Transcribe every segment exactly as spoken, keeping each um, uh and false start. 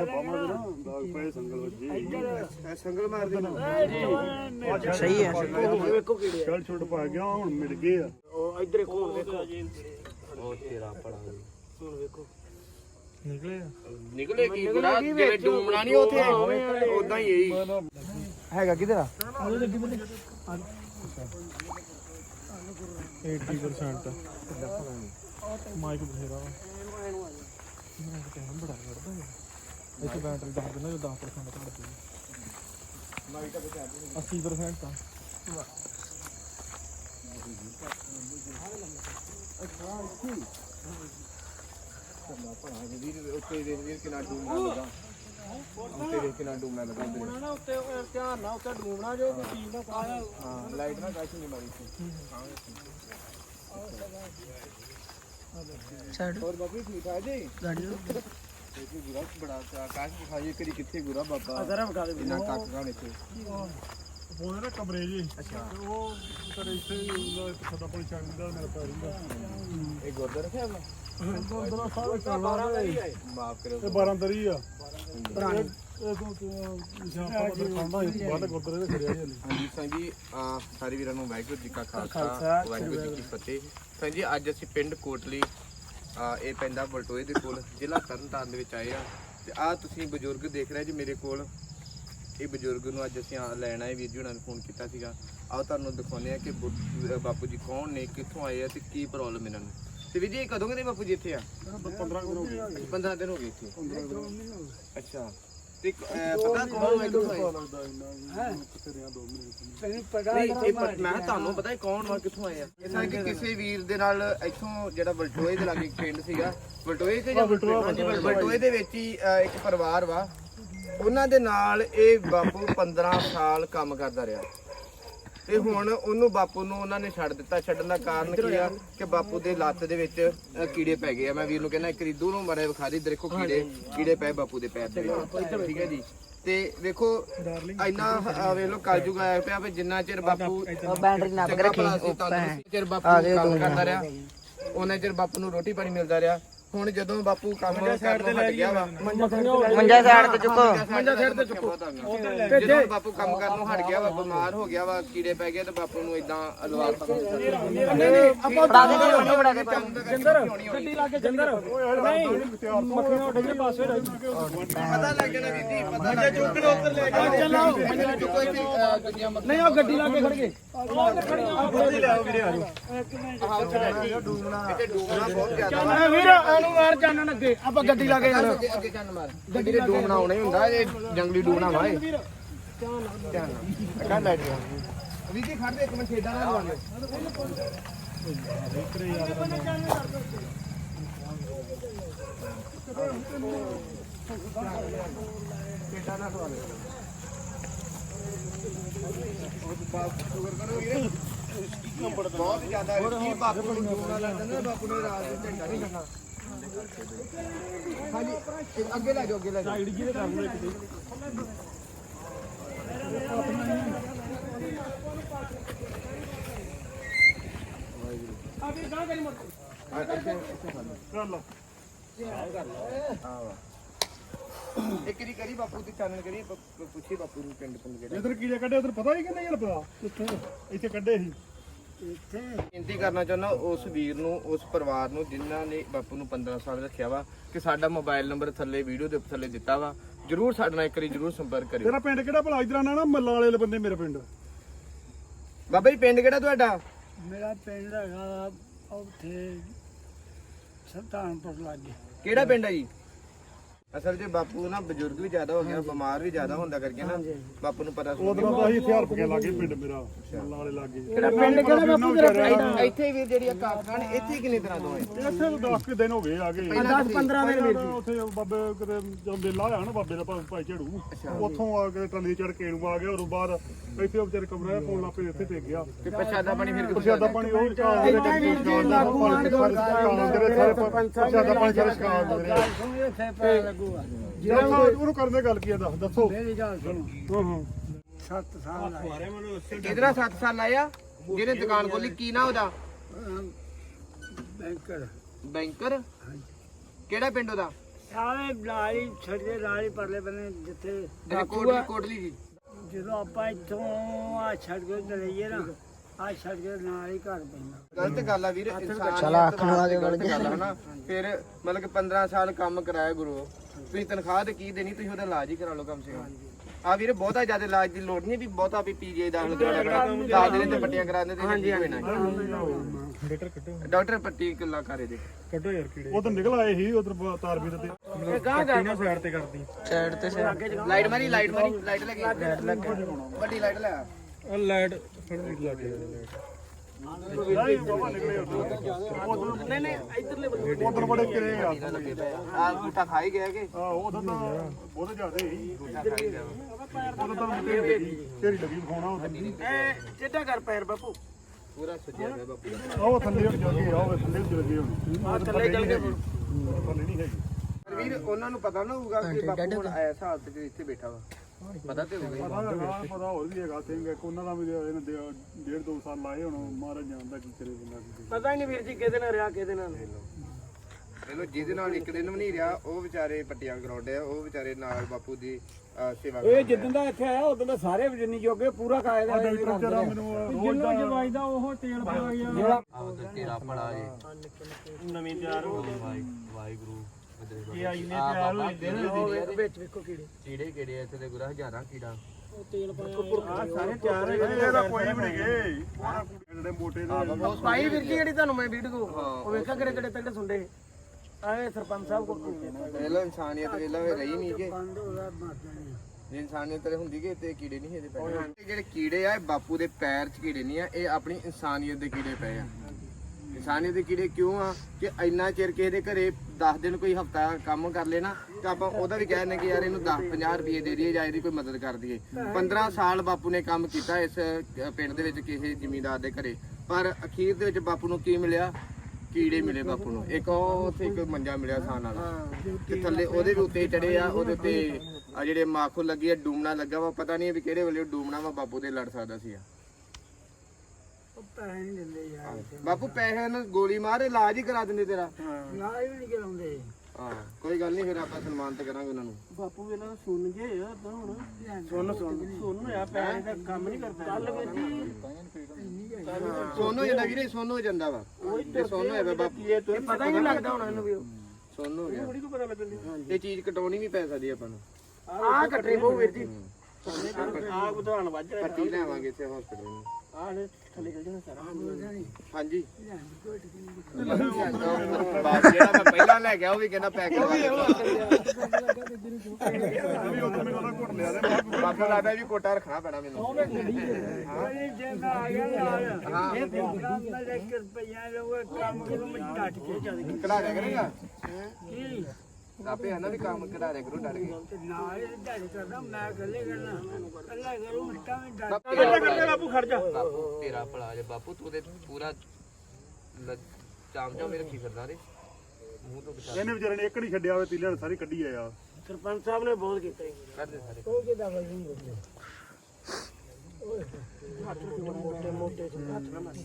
ਸੰਗਲ ਮਾਰ ਦੇ ਸਹੀ ਹੈ ਵੇਖੋ ਕਿਹੜੇ ਛੋਟ ਛੋਟ ਪਾ ਗਿਆ ਹੁਣ ਮਿਲ ਗਏ ਆ ਉਹ ਇੱਧਰ ਕੋਲ ਵੇਖੋ ਉਹ ਤੇਰਾ ਪੜਾ ਹੁਣ ਵੇਖੋ ਨਿਕਲੇ ਨਿਕਲੇ ਕੀ ਗੁਰਾ ਜਿਵੇਂ ਡੂਮਣਾ ਨਹੀਂ ਉਥੇ ਉਦਾਂ ਹੀ ਇਹੀ ਹੈਗਾ ਕਿਧਰ ਆ अस्सी परसेंट माइक बथेरा वा टाइम बड़ा करता है इसे बैटरी दस दिन दस परसेंट घट गई अस्सी परसेंट ਤੇਰੇ ਕਿੰਨਾ ਡੂਮਣਾ ਲੱਗਾ ਡੂਮਣਾ ਨਾ ਉੱਤੇ ਧਿਆਨ ਨਾਲ ਉੱਤੇ ਡੂਮਣਾ ਜੋ ਕੋਈ ਚੀਜ਼ ਨਾ ਪਾਇਆ ਹਾਂ ਲਾਈਟ ਨਾ ਕਾਸ਼ ਨਹੀਂ ਮਾਰੀ ਸਾਈਡ ਹੋਰ ਬਾਕੀ ਠੀਕ ਆ ਜੀ ਗਾੜੀ ਇਹ ਗੁਰਾ ਬੜਾ ਆਕਾਸ਼ ਦਿਖਾਈਏ ਕਰੀ ਕਿੱਥੇ ਗੁਰਾ ਬਾਬਾ ਅਗਰ ਹਮ ਕਾਲੇ ਬਿਨਾ ਕੱਕ ਗਾਣੇ ਤੇ ਉਹ ਨਾ ਕਮਰੇ ਜੀ ਅੱਛਾ ਉਹ ਤੇਰੇ ਇੱਥੇ ਇੱਕ ਸਦਾ ਪਾਣੀ ਚਾਹੀਦਾ ਮੇਰਾ ਪੈਰੂਗਾ ਇਹ ਗੁਰਦੁਆਰਾ ਰੱਖਿਆ ਆਪਣਾ ਗੁਰਦੁਆਰਾ ਸਾਹਿਬ ਬਾਰਾਂ ਦਰੀ ਹੈ ਮਾਫ ਕਰੋ ਇਹ ਬਾਰਾਂ ਦਰੀ ਆ ਪੁਰਾਣੀ ਇਹ ਤੋਂ ਨਿਸ਼ਾਨ ਸਾਹਿਬ ਖਾਂਦਾ ਇਸ ਬਾਅਦ ਗੁਰਦੁਆਰੇ ਦੇ ਖੜਿਆ ਜੀ ਹਾਂਜੀ ਸੰਗ ਜੀ ਸਾਰੇ ਵੀਰਾਂ ਨੂੰ ਵਾਹਿਗੁਰੂ ਜੀ ਕਾ ਖਾਲਸਾ ਵਾਹਿਗੁਰੂ ਜੀ ਕੀ ਫਤਿਹ ਸੰਗ ਜੀ ਅੱਜ ਅਸੀਂ ਪਿੰਡ ਕੋਟਲੀ ਇਹ ਪੈਂਦਾ ਬਲਟੋਏ ਦੇ ਕੋਲ ਜ਼ਿਲ੍ਹਾ ਤਰਨਤਾਰਨ ਦੇ ਵਿੱਚ ਆਏ ਆ ਤੇ ਆ ਤੁਸੀਂ ਬਜ਼ੁਰਗ ਦੇਖ ਰਹੇ ਜੀ ਮੇਰੇ ਕੋਲ ਇਹ ਬਜ਼ੁਰਗ ਨੂੰ ਅੱਜ ਅਸੀਂ ਲੈਣ ਆਏ ਵੀਰ ਜੀ ਉਹਨਾਂ ਨੇ ਫੋਨ ਕੀਤਾ ਸੀਗਾ ਆਓ ਤੁਹਾਨੂੰ ਦਿਖਾਉਂਦੇ ਆ ਕਿ ਬਾਪੂ ਜੀ ਕੌਣ ਨੇ ਕਿੱਥੋਂ ਆਏ ਆ ਤੇ ਕੀ ਪ੍ਰੋਬਲਮ ਇਹਨਾਂ ਨੂੰ ਤੇ ਵੀਰ ਜੀ ਕਦੋਂ ਦੇ ਬਾਪੂ ਜੀ ਇੱਥੇ ਆ ਪੰਦਰਾਂ ਦਿਨ ਹੋ ਗਏ ਪੰਦਰਾਂ ਦਿਨ ਹੋ ਗਏ ਇੱਥੇ ਪੰਦਰਾਂ ਦਿਨ ਅੱਛਾ ਤੇ ਪਤਾ ਕੌਣ ਹੈ ਕਿੱਥੋਂ ਆਏ ਹੈ ਕਿੱਥੇ ਰਿਹਾ ਦੋ ਮਹੀਨੇ ਨਹੀਂ ਇਹ ਪ- ਮੈਂ ਕਿਹਾ ਤੁਹਾਨੂੰ ਪਤਾ ਹੈ ਕੌਣ ਵਾ ਕਿੱਥੋਂ ਆਏ ਆ ਇਹ ਸਾਂ ਕਿ ਕਿਸੇ ਵੀਰ ਦੇ ਨਾਲ ਇੱਥੋਂ ਜਿਹੜਾ ਬਲਟੋਏ ਦੇ ਲਾਗੇ ਇੱਕ ਪਿੰਡ ਸੀਗਾ ਬਲਟੋਏ ਤੇ ਜਾਂ ਹਾਂਜੀ ਬਲਟੋਏ ਦੇ ਵਿੱਚ ਹੀ ਅ, ਇੱਕ ਪਰਿਵਾਰ ਵਾ ਉਹਨਾਂ ਦੇ ਨਾਲ ਇਹ ਬਾਪੂ ਪੰਦਰਾਂ ਸਾਲ ਕੰਮ ਕਰਦਾ ਰਿਹਾ ਤੇ ਹੁਣ ਉਹਨੂੰ ਬਾਪੂ ਨੂੰ ਉਹਨਾਂ ਨੇ ਛੱਡ ਦਿੱਤਾ ਛੱਡਣ ਦਾ ਕਾਰਨ ਕੀ ਆ ਕਿ ਬਾਪੂ ਦੇ ਲੱਤ ਦੇ ਵਿੱਚ ਅ, ਕੀੜੇ ਪੈ ਗਏ ਆ ਮੈਂ ਵੀਰ ਨੂੰ ਕਹਿੰਦਾ ਇੱਕ ਰੀਦੂ ਨੂੰ ਮਰੇ ਵਿਖਾ ਦੇ ਦੇਖੋ ਕੀੜੇ ਕੀੜੇ ਪਏ ਬਾਪੂ ਦੇ ਪੈਰ ਦੇ ਵਿੱਚ ਠੀਕ ਹੈ ਜੀ ਤੇ ਵੇਖੋ ਇੰਨਾ ਵੇਖ ਲਓ ਕਾਜੂ ਆਇਆ ਪਿਆ ਵੀ ਜਿੰਨਾ ਚਿਰ ਬਾਪੂ ਬੈਟਰੀ ਨਾ ਚੰਗਾ ਭਲਾ ਸੀ ਤੰਦਰੁਸਤੀ ਚਿਰ ਬਾਪੂ ਕੰਮ ਕਰਦਾ ਰਿਹਾ ਉਹਨਾਂ ਚਿਰ ਬਾਪੂ ਨੂੰ ਰੋਟੀ ਪਾਣੀ ਮਿਲਦਾ ਰਿਹਾ ਹੁਣ ਜਦੋਂ ਬਾਪੂ ਕੰਮ ਕਰਨੋਂ ਹਟ ਗਿਆ ਵਾ ਮੰਜਾ ਸਾਈਡ ਤੇ ਚੁੱਕੋ ਮੰਜਾ ਸਾਈਡ ਤੇ ਚੁੱਕੋ ਜਦੋਂ ਬਾਪੂ ਕੰਮ ਕਰਨੋਂ ਹਟ ਗਿਆ ਵਾ ਬਿਮਾਰ ਹੋ ਗਿਆ ਵਾ ਕੀੜੇ ਪੈ ਗਏ ਤੇ ਬਾਪੂ ਨੂੰ ਇਦਾਂ ਅਲਵਾਰ ਆਪਾਂ ਬੜਾ ਦੇ ਨਹੀਂ ਬੜਾ ਦੇ ਜਿੰਦਰ ਗੱਡੀ ਲਾ ਕੇ ਜਿੰਦਰ ਨਹੀਂ ਮੱਖੀਆਂ ਉੱਡ ਗਈਆਂ ਪਾਸੇ ਪਤਾ ਲੱਗ ਜਾਣਾ ਵੀਰ ਜੀ ਪਤਾ ਲੱਗ ਚੁੱਕ ਲੋ ਉੱਧਰ ਲੈ ਕੇ ਚੱਲਾਓ ਮੰਜਾ ਚੁੱਕੋ ਗੱਡੀਆਂ ਨਹੀਂ ਉਹ ਗੱਡੀ ਲਾ ਕੇ ਖੜ ਗਏ ਉਹ ਖੜੀਆਂ ਆਪ ਲੈ ਆਓ ਵੀਰੇ ਆਜੋ ਆਹ ਡੂਮਣਾ ਇੱਥੇ ਡੂਮਣਾ ਬਹੁਤ ਜ਼ਿਆਦਾ ਵੀਰ ਇਹਨੂੰ ਮਾਰ ਜਾਣਨ ਅੱਗੇ ਆਪਾਂ ਗੱਡੀ ਲਾ ਕੇ ਅੱਗੇ ਅੱਗੇ ਚੰਨ ਮਾਰ ਗੱਡੀ ਦੇ ਡੂਮਣਾ ਆਉਣਾ ਹੀ ਹੁੰਦਾ ਇਹ ਜੰਗਲੀ ਡੂਮਣਾ ਵਾ ਇਹ ਧਿਆਨ ਨਾਲ ਕੱਢ ਲੈ ਜੀ ਵੀ ਜੀ ਖੜ ਦੇ ਇੱਕ ਮਿੰਟ ਛੇੜਾ ਨਾ ਲਵਾਂਗੇ ਛੇੜਾ ਨਾ ਲਵਾਂਗੇ ਬਹੁਤ ਜ਼ਿਆਦਾ ਕੀ ਬਾਪੂ ਨੂੰ ਡੂਮਣਾ ਲੱਗਦਾ ਨਾ ਬਾਪੂ ਨੇ ਰਾਤ ਨੂੰ ਝੰਡਾ ਨਹੀਂ ਕਰਨਾ ਹਾਂਜੀ ਅੱਗੇ ਲੈ ਜਾਓ ਅੱਗੇ ਲੈ ਜਾਓ ਸਾਈਡ ਜੀ ਦੇ ਕਰ ਲਓ ਇੱਕ ਆਗੇ ਗਾਂ ਕਰੀ ਮਤ ਕਰ ਲਾ ਇੱਕ ਵਾਰੀ ਕਰੀ ਬਾਪੂ ਦੀ ਚਾਨਣ ਕਰੀ ਪ- ਪੁੱਛੀ ਬਾਪੂ ਨੂੰ ਪਿੰਡ ਪਿੰਡ ਕਿਹੜਾ ਇਧਰ ਕੀੜੇ ਕੱਢੇ ਉਧਰ ਪਤਾ ਹੀ ਕਿ ਨਹੀਂ ਯਾਰ ਪਤਾ ਕਿੱਥੇ ਇੱਥੇ ਕੱਢੇ ਸੀ ਬੇਨਤੀ ਕਰਨਾ ਚਾਹੁੰਦਾ ਉਸ ਵੀਰ ਨੂੰ ਉਸ ਪਰਿਵਾਰ ਨੂੰ ਜਿਨ੍ਹਾਂ ਨੇ ਬਾਪੂ ਨੂੰ ਪੰਦਰਾਂ ਸਾਲ ਰੱਖਿਆ ਵਾ ਕਿ ਸਾਡਾ ਮੋਬਾਈਲ ਨੰਬਰ ਥੱਲੇ ਵੀਡੀਓ ਦੇ ਥੱਲੇ ਦਿੱਤਾ ਵਾ ਜਰੂਰ ਸਾਡੇ ਨਾਲ ਇੱਕ ਵਾਰੀ ਜਰੂਰ ਸੰਪਰਕ ਕਰਿਓ ਤੇਰਾ ਪਿੰਡ ਕਿਹੜਾ ਭਲਾ ਇਧਰ ਆਣਾ ਨਾ ਮੱਲਾਂ ਵਾਲੇ ਬੰਦੇ ਮੇਰਾ ਪਿੰਡ ਬਾਬਾ ਜੀ ਪਿੰਡ ਕਿਹੜਾ ਤੁਹਾਡਾ ਮੇਰਾ ਪਿੰਡ ਹੈਗਾ ਉੱਥੇ ਸੁਲਤਾਨਪੁਰ ਲਾਗੇ ਕਿਹੜਾ ਪਿੰਡ ਹੈ ਜੀ ਅਸਲ 'ਚ ਬਾਪੂ ਨਾ ਬਜ਼ੁਰਗ ਵੀ ਜ਼ਿਆਦਾ ਹੋ ਗਿਆ ਬਿਮਾਰ ਵੀ ਜ਼ਿਆਦਾ ਹੁੰਦਾ ਕਰਕੇ ਨਾ ਬਾਪੂ ਨੂੰ ਪਤਾ ਉਧਰ ਤਾਂ ਅਸੀਂ ਹਥਿਆਰ ਪਕੇ ਲਾਗੇ ਪਿੰਡ ਮੇਰਾ ਮੱਲਾਂ ਵਾਲੇ ਲਾਗੇ ਕਿਹੜਾ ਪਿੰਡ ਕਿਹੜਾ ਬਾਪੂ ਤੇਰਾ ਪਿੰਡ ਇੱਥੇ ਵੀ ਜਿਹੜੀ ਕਾਰਖਾਨ ਇੱਥੇ ਕਿੰਨੇ ਤਰ੍ਹਾਂ ਤੋਂ ਹੈ ਇੱਥੇ ਦਸ ਕੁ ਦਿਨ ਹੋ ਗਏ ਆ ਗਏ ਦਸ ਪੰਦਰਾਂ ਦਿਨ ਵੀਰ ਜੀ ਉੱਥੇ ਬਾਬੇ ਕਿਤੇ ਜਦੋਂ ਮੇਲਾ ਹੋਇਆ ਨਾ ਬਾਬੇ ਦਾ ਭਾਈ ਭਾਈ ਝੜੂ ਉੱਥੋਂ ਆ ਕੇ ਟਰਾਲੀ ਚੜ ਕੇ ਨੂੰ ਆ ਗਿਆ ਉਦੋਂ ਬਾਅਦ ਇੱਥੇ ਉਹ ਵਿਚਾਰੇ ਕਮਰਾ ਪਾਉਣ ਲੱਗ ਪਏ ਇੱਥੇ ਟਿਕ ਗਿਆ ਤੇ ਪ੍ਰਸ਼ਾਦਾ ਪਾਣੀ ਫਿਰ ਪ੍ਰਸ਼ਾਦਾ ਪਾਣੀ ਉਹ ਚਾਲ ਦੇ ਵਿੱਚ ਪ੍ਰਸ਼ਾਦਾ ਪਾਣੀ ਸਾਰੇ ਸ਼ਿਕਾਰ ਦੇ ਰਹੇ ਲੱਗੂਗਾ ਜਿਹੜਾ ਉਹਨੂੰ ਕਰਨ ਦੀ ਗੱਲ ਕੀ ਆ ਦੱਸ ਦੱਸੋ ਮੇਰੀ ਗੱਲ ਸੁਣੋ ਹਾਂ ਹਾਂ ਸੱਤ ਸਾਲ ਆਏ ਕਿਹੜਾ ਸੱਤ ਸਾਲ ਆਇਆ ਜਿਹਨੇ ਦੁਕਾਨ ਖੋਲੀ ਕੀ ਨਾ ਉਹਦਾ ਬੈਂਕਰ ਬੈਂਕਰ ਕਿਹੜਾ ਪਿੰਡ ਉਹਦਾ ਆਵੇ ਨਾਲ ਹੀ ਛੱਡੇ ਨਾਲ ਹੀ ਪਰਲੇ ਬੰਨੇ ਜਿੱਥੇ ਜਿਹੜੀ ਕੋਟਲੀ ਕੋਟਲੀ ਜੀ ਜਦੋਂ ਆਪਾਂ ਇੱਥੋਂ ਆ ਛੱਡ ਕੇ ਚਲੇਈਏ ਨਾ ਆ ਛੱਡ ਕੇ ਨਾਲ ਹੀ ਘਰ ਪੈਂਦਾ ਗਲਤ ਗੱਲ ਆ ਵੀਰ ਇਨਸਾਨੀਅਤ ਵਾਸਤੇ ਗਲਤ ਗੱਲ ਆ ਨਾ ਫਿਰ ਮਤਲਬ ਕਿ ਪੰਦਰਾਂ ਸਾਲ ਕੰਮ ਕਰਾਇਆ ਗੁਰੂ ਤੁਸੀਂ ਤਨਖਾਹ ਤੇ ਕੀ ਦੇਣੀ ਤੁਸੀਂ ਉਹਦਾ ਇਲਾਜ ਹੀ ਕਰਾ ਲਓ ਕਮ ਸੇ ਕਮ ਆ ਵੀਰੇ ਬਹੁਤਾ ਜ਼ਿਆਦਾ ਇਲਾਜ ਦੀ ਲੋੜ ਨਹੀਂ ਵੀ ਬਹੁਤਾ ਵੀ ਪੀਜੀਆਈ ਦਾਖਲ ਕਰਾਉਣਾ ਪੈਣਾ ਦਾਦ ਦੇ ਤੇ ਪੱਟੀਆਂ ਕਰਾ ਦਿੰਦੇ ਹਾਂਜੀ ਡਾਕਟਰ ਕੱਟੋ ਡਾਕਟਰ ਪੱਟੀ ਕਿੱਲਾ ਕਰੇ ਦੇ ਕੱਟੋ ਯਾਰ ਕੀੜੇ ਉਹ ਤਾਂ ਨਿਕਲ ਆਏ ਸੀ ਉਧਰ ਤਾਰ ਵੀਰ ਤੇ ਕੱਟੀ ਨਾ ਸਾਈਡ ਤੇ ਕਰਦੀ ਸਾਈਡ ਤੇ ਲਾਈਟ ਮਾਰੀ ਲਾਈਟ ਮਾਰੀ ਲਾਈਟ ਲੱਗੀ ਵੱਡੀ ਲਾਈਟ ਲੈ ਆ ਉਹ ਲਾਈਟ ਫੜ ਲੱਗ ਗਈ ਨਹੀਂ ਬਾਬਾ ਨਿਕਲੇ ਉਧਰ ਨਹੀਂ ਨਹੀਂ ਇਧਰਲੇ ਉਧਰ ਬੜੇ ਕਿਰੇ ਆ ਆ ਗੁੱਟਾ ਖਾਈ ਗਿਆ ਕਿ ਆ ਉਧਰ ਤਾਂ ਬਹੁਤ ਜ਼ਿਆਦਾ ਹੀ ਗੁੱਟਾ ਖਾਈ ਗਿਆ ਉਧਰ ਤਾਂ ਤੇਰੀ ਤੇਰੀ ਲੱਗੀ ਖਾਣਾ ਉਧਰ ਇਹ ਚਿੱਟਾ ਕਰ ਪੈਰ ਬਾਪੂ ਪੂਰਾ ਸੁਜਿਆ ਗਿਆ ਬਾਪੂ ਉਹ ਥੱਲੇ ਉੱਠ ਜਾ ਕੇ ਆਓ ਥੱਲੇ ਉੱਠ ਲੱਗੇ ਹੁਣ ਆ ਥੱਲੇ ਚੱਲ ਕੇ ਥੱਲੇ ਨਹੀਂ ਹੈਗੀ ਵੀਰ ਉਹਨਾਂ ਨੂੰ ਪਤਾ ਨਾ ਹੋਊਗਾ ਕਿ ਬਾਪੂ ਹੁਣ ਐਸਾ ਹਾਲਤ 'ਚ ਇੱਥੇ ਬੈਠਾ ਵਾ ਪਤਾ ਤੇ ਹੋਊਗਾ ਪਤਾ ਪਤਾ ਹੋਰ ਵੀ ਹੈਗਾ ਸਿੰਘ ਇੱਕ ਉਹਨਾਂ ਦਾ ਵੀ ਇਹਨਾਂ ਦੇ ਡੇਢ ਦੋ ਸਾਲ ਲਾਏ ਹੁਣ ਮਹਾਰਾਜ ਜਾਣਦਾ ਕੀ ਕਰੇ ਬੰਦਾ ਕੀ ਪਤਾ ਹੀ ਨਹੀਂ ਵੀਰ ਜੀ ਕਿਹਦੇ ਨਾਲ ਰਿਹਾ ਕਿਹਦੇ ਨਾਲ ਚਲੋ ਜਿਹਦੇ ਨਾਲ ਇੱਕ ਦਿਨ ਵੀ ਨਹੀਂ ਰਿਹਾ ਉਹ ਵਿਚਾਰੇ ਪੱਟੀਆਂ ਕਰਾਉਂਦੇ ਆ ਉਹ ਵਿਚਾਰੇ ਨਾਲ ਬਾਪੂ ਦੀ ਅਹ, ਸੇਵਾ ਇਹ ਜਿੱਦਣ ਦਾ ਇੱਥੇ ਆਇਆ ਉਦੋਂ ਦਾ ਸਾਰੇ ਜਿੰਨੀ ਜੋਗੇ ਪੂਰਾ ਕਾਇਦਾ ਡਾਕਟਰ ਵਿਚਾਰਾ ਮੈਨੂੰ ਰੋਜ਼ ਦਾ ਜਵਾਈਦਾ ਉਹ ਤੇਲ ਪਾ ਗਿਆ ਆਹ ਤੇ ਤੇਰਾ ਪੜਾ ਜੇ ਨਵੀਂ ਤਿਆਰ ਹੋ ਗਈ ਵਾਹਿਗੁਰੂ ਇਹ ਆਈ ਨੇ ਤਿਆਰ ਹੋਏ ਦੇ ਵਿੱਚ ਵੇਖੋ ਕੀੜੇ ਕੀੜੇ ਕਿਹੜੇ ਇੱਥੇ ਦੇ ਗੁਰਾ ਹਜ਼ਾਰਾਂ ਕੀੜਾ ਉਹ ਤੇਲ ਪਾਇਆ ਸਾਰੇ ਤਿਆਰ ਹੋਏ ਇਹਦਾ ਕੋਈ ਵੀ ਨਹੀਂ ਗਏ ਜਿਹੜੇ ਮੋਟੇ ਦੇ ਭਾਈ ਵੀਰ ਜੀ ਜਿਹੜੀ ਤੁਹਾਨੂੰ ਮੈਂ ਵੀਡੀਓ ਉਹ ਵੇਖਾ ਕਿਹੜੇ ਕਿਹੜੇ ਤੱਕ ਸੁਣਦੇ ਆਏ ਸਰਪੰਚ ਸਾਹਿਬ ਕੋਲ ਵੇਲੋ ਇਨਸਾਨੀਅਤ ਵੇਲੋ ਰਹੀ ਨਹੀਂ ਕਿ ਬੰਦ ਹੋ ਗਿਆ ਮਰ ਜਾਣੀ ਜੇ ਇਨਸਾਨੀਅਤ ਤੇ ਹੁੰਦੀ ਕਿ ਤੇ ਕੀੜੇ ਨਹੀਂ ਇਹਦੇ ਪਏ ਜਿਹੜੇ ਕੀੜੇ ਆ ਇਹ ਬਾਪੂ ਦੇ ਪੈਰ 'ਚ ਕੀੜੇ ਨਹੀਂ ਆ ਇਹ ਆਪਣੀ ਇਨਸਾਨੀਅਤ ਦੇ ਕੀੜੇ ਪਏ ਆ ਇਨਸਾਨੀਅਤ ਦੇ ਕੀੜੇ ਕਿਉਂ ਆ ਕਿ ਇੰਨਾ ਚਿਰ ਕਿਸੇ ਦੇ ਘਰੇ ਦਸ ਦਿਨ ਕੋਈ ਹਫਤਾ ਕੰਮ ਕਰ ਲੈਣਾ ਤਾਂ ਆਪਾਂ ਉਹਦਾ ਵੀ ਕਹਿੰਦੇ ਕਿ ਯਾਰ ਇਹਨੂੰ ਦਸ ਪੰਜਾਹ ਰੁਪਏ ਦੇ ਦਈਏ ਜਾਂ ਇਹਦੀ ਕੋਈ ਮਦਦ ਕਰ ਦਈਏ ਪੰਦਰਾਂ ਸਾਲ ਬਾਪੂ ਨੇ ਕੰਮ ਕੀਤਾ ਇਸ ਪਿੰਡ ਦੇ ਵਿੱਚ ਕਿਸੇ ਜ਼ਿਮੀਂਦਾਰ ਦੇ ਘਰੇ ਪਰ ਅਖੀਰ ਦੇ ਵਿੱਚ ਬਾਪੂ ਨੂੰ ਕੀ ਮਿਲਿਆ ਕੀੜੇ ਮਿਲੇ ਬਾਪੂ ਨੂੰ ਇੱਕ ਉਹ ਉੱਥੇ ਇੱਕ ਮੰਜਾ ਮਿਲਿਆ ਸਾਨ ਵਾਲਾ ਤੇ ਥੱਲੇ ਉਹਦੇ ਵੀ ਉੱਤੇ ਚੜੇ ਆ ਉਹਦੇ ਉੱਤੇ ਆ ਜਿਹੜੇ ਮਾਖੋ ਲੱਗੀ ਆ ਡੂਮਣਾ ਲੱਗਾ ਵਾ ਪਤਾ ਨਹੀਂ ਵੀ ਕਿਹੜੇ ਵੇਲੇ ਡੂਮਣਾ ਵਾ ਬਾਪੂ ਦੇ ਲੜ ਸਕਦਾ ਸੀ ਉਹ ਪੈਸੇ ਨਹੀਂ ਦਿੰਦੇ ਯਾਰ ਬਾਪੂ ਪੈਸੇ ਨਾਲ ਗੋਲੀ ਮਾਰ ਇਲਾਜ ਹੀ ਕਰਾ ਦਿੰਦੇ ਤੇਰਾ ਨਾ ਇਹ ਵੀ ਨਹੀਂ ਕਰਾਉਂਦੇ ਹਾਂ ਕੋਈ ਗੱਲ ਨਹੀਂ ਫਿਰ ਆਪਾਂ ਸਨਮਾਨਿਤ ਕਰਾਂਗੇ ਉਹਨਾਂ ਨੂੰ ਬਾਪੂ ਵੀ ਇਹਨਾਂ ਨੂੰ ਸੁਣ ਜੇ ਆ ਤਾਂ ਹੁਣ ਸੁਣ ਸੁਣ ਸੁਣ ਹੋਇਆ ਪੈਸੇ ਦਾ ਕੰਮ ਨਹੀਂ ਕਰਦਾ ਕੱਲ ਵੇਦੀ ਸੋਨੋ ਜਾਂਦਾ ਵੀਰੇ ਸੋਨੋ ਹੋ ਜਾਂਦਾ ਵਾ ਤੇ ਸੋਨੋ ਹੋਇਆ ਬਾਪੂ ਇਹ ਪਤਾ ਹੀ ਨਹੀਂ ਲੱਗਦਾ ਹੁਣ ਇਹਨੂੰ ਵੀ ਸੋਨੋ ਹੋ ਗਿਆ ਥੋੜੀ ਨੂੰ ਪਤਾ ਲੱਗਣ ਇਹ ਚੀਜ਼ ਕਟਾਉਣੀ ਵੀ ਪੈ ਸਕਦੀ ਆਪਾਂ ਨੂੰ ਆਹ ਕੱਟੇ ਬਹੁ ਵੀਰ ਜੀ ਆਹ ਵਧਾਣ ਵੱਜ ਰਿਹਾ ਪੱਟੀ ਲੈਵਾਂਗੇ ਇੱਥੇ ਹਸਪੀਟਲ ਨੂੰ ਆਹ ਨੇ ਥੱਲੇ ਚੱਲ ਜਾਣਾ ਸਾਰਾ ਹਾਂਜੀ ਬਾਪ ਜਿਹੜਾ ਮੈਂ ਪਹਿਲਾਂ ਲੈ ਗਿਆ ਉਹ ਵੀ ਕਹਿੰਦਾ ਪੈਕ ਕਰਵਾ ਵੀ ਉੱਥੇ ਮੈਨੂੰ ਉਹਦਾ ਘੁੱਟ ਲਿਆ ਤੇ ਬਾਪੂ ਲੱਗਦਾ ਵੀ ਕੋਟਾ ਰੱਖਣਾ ਪੈਣਾ ਮੈਨੂੰ ਜੇ ਮੈਂ ਆ ਗਿਆ ਆ ਇਹ ਪ੍ਰੋਗਰਾਮ ਮੈਂ ਲੈ ਕੇ ਰੁਪਈਆ ਲਊਗਾ ਕੰਮ ਕਰੂੰ ਮੈਂ ਡਟ ਕੇ ਚੱਲ ਗਈ ਕਢਾ ਦਿਆ ਕਰੇਗਾ ਕੀ ਆਪੇ ਆਨਾ ਵੀ ਕੰਮ ਕਢਾ ਦਿਆ ਕਰੂ ਡਟ ਕੇ ਤੇ ਨਾ ਇਹ ਡਟ ਕਰਦਾ ਮੈਂ ਇਕੱਲੇ ਕਰਨਾ ਇਕੱਲਾ ਕਰੂੰ ਮਿੱਟਾ ਵੀ ਡਟ ਕਰਦੇ ਬਾਪੂ ਖੜ ਜਾ ਬਾਪੂ ਤੇਰਾ ਭਲਾ ਜੇ ਬਾਪੂ ਤੂੰ ਤੇ ਪੂਰਾ ਚਾਮ ਚਾਮ ਰੱਖੀ ਫਿਰਦਾ ਰੇ ਮੂੰਹ ਤੋਂ ਬਚਾ ਇਹਨੇ ਵਿਚਾਰੇ ਨੇ ਇੱਕ ਨਹੀਂ ਛੱਡਿਆ ਹੋਵੇ ਤੀਲਿਆਂ ਸਾਰੀ ਕੱਢੀ ਆਇਆ ਸਰਪੰਚ ਸਾਹਿਬ ਨੇ ਬਹੁਤ ਕੀਤਾ ਜੀ ਕਰਦੇ ਸਾਰੇ ਉਹ ਕਿਦਾਂ ਵਜਨ ਹੁੰਦੇ ਓਏ ਮੋਟੇ ਮੋਟੇ ਹੱਥ ਨਾ ਮਾਰੀ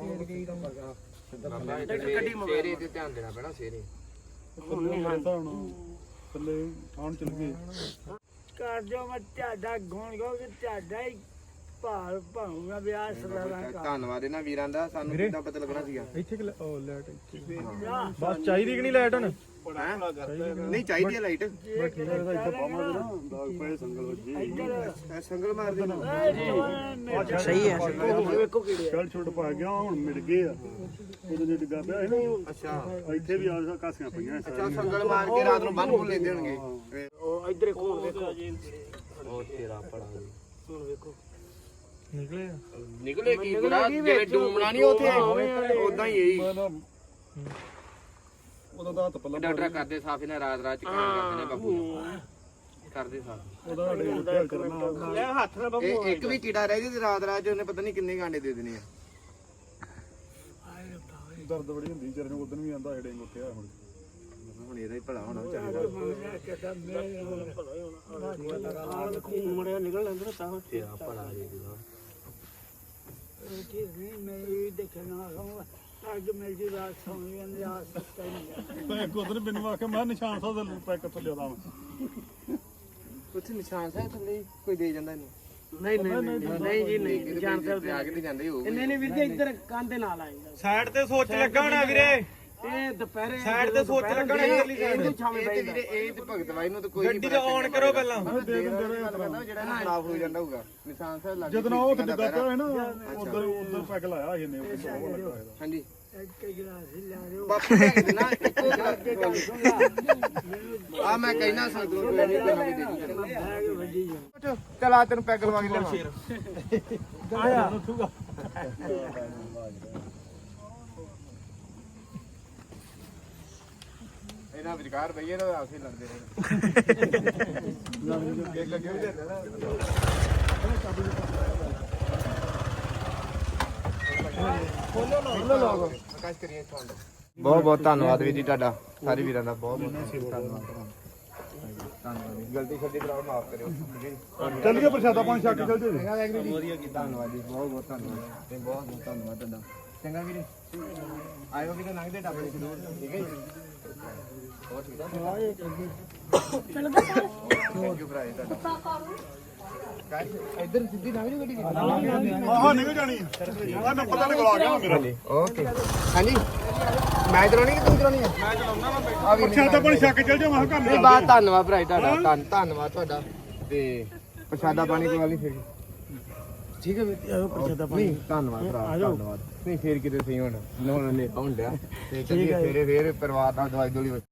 ਸੇਰੇ ਤੇ ਧਿਆਨ ਦੇਣਾ ਪੈਣਾ ਸੇਰੇ ਹੁਣ ਥੱਲੇ ਆਉਣ ਚਲ ਗਏ ਕਰ ਜੋ ਮੈਂ ਤੁਹਾਡਾ ਗੁਣ ਗੋ ਕਿ ਤੁਹਾਡਾ ਹੀ ਭਾਲ ਭਾਉਂਗਾ ਵਿਆਹ ਸਦਾਰਾ ਕਰ ਧੰਨਵਾਦ ਇਹਨਾਂ ਵੀਰਾਂ ਦਾ ਸਾਨੂੰ ਕਿੱਦਾਂ ਪਤਾ ਲੱਗਣਾ ਸੀਗਾ ਇੱਥੇ ਕਿ ਉਹ ਲਾਈਟ ਇੱਥੇ ਜਾ ਬਸ ਚਾਹੀਦੀ ਕਿ ਨਹੀਂ ਲਾਈਟ ਹੁਣ ਨਹੀਂ ਚਾਹੀਦੀ ਹੈ ਲਾਈਟ ਇੱਥੇ ਪਾਵਾਂਗੇ ਨਾ ਦਾਗ ਪਏ ਸੰਗਲ ਵੱਜੀ ਇਹ ਸੰਗਲ ਮਾਰ ਦੇ ਸਹੀ ਹੈ ਵੇਖੋ ਕਿਹੜੇ ਛੜ ਛੁੱਟ ਪਾ ਗਿਆ ਹੁਣ ਮਿਲ ਗਏ ਆ ਉਦੋਂ ਜੇ ਡਿੱਗਾ ਪਿਆ ਸੀ ਨਾ ਅੱਛਾ ਇੱਥੇ ਵੀ ਆ ਕਾਸੀਆਂ ਪਈਆਂ ਅੱਛਾ ਸੰਗਲ ਮਾਰ ਕੇ ਰਾਤ ਨੂੰ ਬੰਨ ਬੁੱਲ ਲੈਂਦੇ ਹੋਣਗੇ ਉਹ ਇਧਰੇ ਕੋਲ ਵੇਖੋ ਉਹ ਤੇਰਾ ਪੜਾ ਹੁਣ ਵੇਖੋ ਨਿਕਲੇ ਆ ਨਿਕਲੇ ਕੀ ਗੁਰਾ ਜਿਵੇਂ ਡੂਮਣਾ ਨਹੀਂ ਉਥੇ ਉਦਾਂ ਹੀ ਇਹੀ ਉਹਦਾ ਤਾਂ ਹੱਥ ਪੱਲਾ ਡਾਕਟਰ ਕਰਦੇ ਸਾਫ ਇਹਨਾਂ ਰਾਤ ਰਾਤ ਚ ਕੰਮ ਕਰਦੇ ਨੇ ਬਾਪੂ ਕਰਦੇ ਸਾਫ ਉਹਦਾ ਸਾਡੇ ਉੱਤੇ ਕਰਨਾ ਲੈ ਹੱਥ ਨਾਲ ਬਾਬੂ ਇਹ ਇੱਕ ਵੀ ਕੀੜਾ ਰਹਿ ਜੇ ਤੇ ਰਾਤ ਰਾਤ ਚ ਉਹਨੇ ਪਤਾ ਨਹੀਂ ਕਿੰਨੇ ਗਾਂਡੇ ਦੇ ਦੇਣੇ ਆ ਦਰਦ ਬੜੀ ਹੁੰਦੀ ਵਿਚਾਰੇ ਨੂੰ ਉਦੋਂ ਵੀ ਆਂਦਾ ਡੇਂਗ ਉੱਠਿਆ ਹੁਣ ਹੁਣ ਇਹਦਾ ਹੀ ਭਲਾ ਹੋਣਾ ਚਾਹੀਦਾ ਮੜਿਆ ਨਿਕਲ ਲੈਂਦੇ ਨਾ ਤਾਂ ਤੇਰਾ ਭਲਾ ਜੇ ਗੁਰਾ ਠੀਕ ਨਹੀਂ ਮੈਂ ਇਹ ਦੇਖਣਾ ਅੱਜ ਮੇਰੀ ਰਾਤ ਸੌਂ ਜਾਂਦੀ ਆ ਸੁੱਤਾ ਨਹੀਂ ਮੈਂ ਉਧਰ ਮੈਨੂੰ ਆਖਿਆ ਮੈਂ ਨਿਸ਼ਾਨ ਸਾਹਿਬ ਦਾ ਪੈਕ ਕਿੱਥੋਂ ਲਿਆਦਾ ਮੈਂ ਉੱਥੇ ਨਿਸ਼ਾਨ ਸਾਹਿਬ ਥੱਲੇ ਕੋਈ ਦੇ ਜਾਂਦਾ ਇਹਨੂੰ ਨਹੀਂ ਨਹੀਂ ਨਹੀਂ ਜੀ ਨਹੀਂ ਜਾਣ ਸਕਦੇ ਆ ਕੇ ਨਹੀਂ ਜਾਂਦੇ ਹੋਊ ਨਹੀਂ ਨਹੀਂ ਵੀਰ ਜੀ ਇੱਧਰ ਕੰਨ ਦੇ ਨਾਲ ਆਏਗਾ ਸਾਈਡ ਤੇ ਸੋਚ ਲੱਗਾ ਹੋਣਾ ਵੀਰੇ ਇਹ ਦੁਪਹਿਰੇ ਸਾਈਡ ਤੇ ਸੋਚ ਲੱਗਣਾ ਇਧਰਲੀ ਸਾਈਡ ਇਹ ਤੇ ਵੀਰੇ ਇਹ ਤੇ ਭਗਤ ਬਾਈ ਨੂੰ ਤਾਂ ਕੋਈ ਗੱਡੀ ਤੇ ਔਨ ਕਰੋ ਪਹਿਲਾਂ ਜਿਹੜਾ ਨਾ ਖਰਾਬ ਹੋ ਜਾਂਦਾ ਹੋਊਗਾ ਨਿਸ਼ਾਨ ਸਾਹਿਬ ਲੱਗ ਜਦੋਂ ਉਹ ਉੱਥੇ ਡੱਗਾ ਪਿਆ ਹੋਇਆ ਨਾ ਉਧਰ ਉਧਰ ਪੈਕ ਲਾਇਆ ਇਹਨੇ ਹਾਂਜੀ ਇੱਕ ਗਲਾਸ ਹੀ ਲਿਆ ਦਿਓ ਬਾਪੂ ਲੈ ਕੇ ਦੇਣਾ ਇੱਕੋ ਆ ਮੈਂ ਕਹਿਣਾ ਸੰਗਤ ਨੂੰ ਕੋਈ ਨਹੀਂ ਤੈਨੂੰ ਵੀ ਦੇ ਦੂੰ ਬੈਗ ਵੱਜੀ ਜਾ ਚਲ ਆ ਤੈਨੂੰ ਪੈਗ ਲਵਾ ਕੇ ਲਿਆਵਾਂ ਆਇਆ ਇਹਨਾਂ ਵਿਚਕਾਰ ਬਈਏ ਤਾਂ ਆਪਸੇ ਲੜਦੇ ਰਹੇ ਇੱਕ ਲੱਗੇ ਵੀ ਦਿੰਦਾ ਨਾ ਖੋਲੋ ਲੋਗ ਆਕਾਸ਼ ਕਰੀਏ ਤੁਹਾਨੂੰ ਬਹੁਤ ਬਹੁਤ ਧੰਨਵਾਦ ਵੀਰ ਜੀ ਤੁਹਾਡਾ ਸਾਰੇ ਵੀਰਾਂ ਦਾ ਬਹੁਤ ਬਹੁਤ ਧੰਨਵਾਦ ਧੰਨਵਾਦ ਜੀ ਗਲਤੀ ਛੱਡੀ ਕਰਾਓ ਮਾਫ ਕਰਿਓ ਚੱਲ ਗਿਆ ਪ੍ਰਸ਼ਾਦਾ ਪਾਣੀ ਛੱਕ ਚੱਲ ਜੇ ਵਧੀਆ ਕੀਤਾ ਧੰਨਵਾਦ ਜੀ ਬਹੁਤ ਬਹੁਤ ਧੰਨਵਾਦ ਤੇ ਬਹੁਤ ਬਹੁਤ ਧੰਨਵਾਦ ਤੁਹਾਡਾ ਚੰਗਾ ਵੀਰੇ ਆਇਓ ਵੀ ਤਾਂ ਲੰਘਦੇ ਟੱਪਦੇ ਜ਼ਰੂਰ ਠੀਕ ਹੈ ਜੀ ਬਹੁਤ ਠੀਕ ਹੈ ਥੈਂਕ ਯੂ ਭਰਾ ਜੀ ਤੁਹਾਡਾ ਇੱਧਰ ਸਿੱਧੀ ਲੰਘ ਜਾਓ ਗੱਡੀ ਆਹ ਨਿਕਲ ਜਾਣੀ ਆ ਮੈਂ ਪਤਾ ਨਿਕਲ ਆ ਗਿਆ ਮੇਰਾ ਓਕੇ ਹਾਂਜੀ ਮੈਂ ਚਲਾਉਣੀ ਕਿ ਤੂੰ ਚਲਾਉਣੀ ਹੈ ਮੈਂ ਚਲਾਉਣਾ ਵਾ ਬੈਠਾ ਪ੍ਰਸ਼ਾਦਾ ਪਾਣੀ ਛੱਕ ਚੱਲ ਜਾ ਮੈਂ ਕਿਹਾ ਘਰ ਨਹੀਂ ਨੂੰ ਬਾਤ ਧੰਨਵਾਦ ਭਰਾ ਜੀ ਤੁਹਾਡਾ ਧੰਨ ਧੰਨਵਾਦ ਤੁਹਾਡਾ ਤੇ ਪ੍ਰਸ਼ਾਦਾ ਪਾਣੀ ਕੋਈ ਗੱਲ ਨਹੀਂ ਫਿਰ ਠੀਕ ਹੈ ਵੀਰ ਪ੍ਰਸ਼ਾਦਾ ਪਾਣੀ ਧੰਨਵਾਦ ਭਰਾ ਧੰਨਵਾਦ ਨਹੀਂ ਫੇਰ ਕਿਤੇ ਸਹੀ ਹੁਣ ਨੋਨ ਨੇ ਪਹੁੰਚ ਲਿਆ ਤੇ ਚੱਲੀਏ ਫੇਰੇ ਫੇਰ ਪਰਿਵਾਰ ਨਾਲ ਦਵਾਈ ਦੋਲੀ